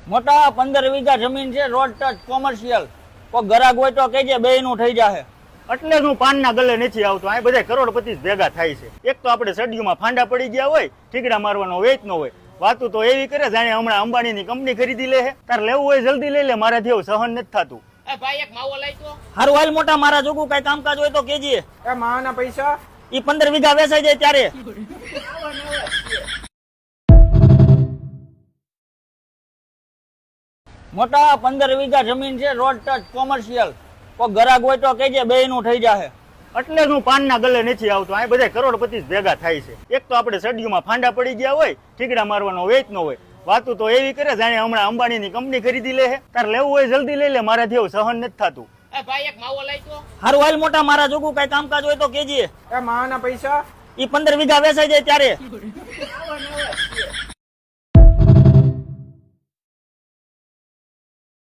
મોટા 15 વીઘા જમીન છે, રોડ ટચ કોમર્શિયલ. કોઈ ગરાગ હોય તો કહેજે, બેયનું થઈ જાહે. એટલે જ હું પાનના ગલે નથી આવતો. આ બધા કરોડપતિ ભેગા થાય છે. એક તો આપણે સડિયુમાં ફાંડા પડી ગયા હોય, ઠીકડા મારવાનો વેચ ન હોય. વાતું તો એવી કરે જાણે હમણાં અંબાણીની કંપની ખરીદી લે છે. તાર લેવું હોય જલ્દી લઈ લે, મારાથી એવું સહન નથી થતું. ભાઈ એક માવો લઈ તો. હારું હાલ મોટા, મારા જોગું કઈ કામકાજ હોય તો કહેજે. એ માવાના પૈસા ઈ 15 વીઘા વેચાઈ જાય ત્યારે. મોટા 15 વીઘા જમીન છે, રોડ ટચ કોમર્શિયલ. કોઈ ગરાગ હોય તો કહેજે, બેયનું થઈ જાહે. એટલે જ હું પાનના ગલે નથી આવતો. આ બધા કરોડપતિ ભેગા થાય છે. એક તો આપણે સડિયુમાં ફાંડા પડી ગયા હોય, ઠીકડા મારવાનો વેચ ન હોય. વાતું તો એવી કરે જાણે હમણાં અંબાણીની કંપની ખરીદી લે છે. તાર લેવું હોય જલ્દી લઈ લે, મારાથી એવું સહન નથી થતું. ભાઈ એક માવો લઈ તો. હારું હાલ મોટા, મારા જોગું કઈ કામકાજ હોય તો કહેજે. એ માવાના પૈસા ઈ 15 વીઘા વેચાઈ જાય ત્યારે.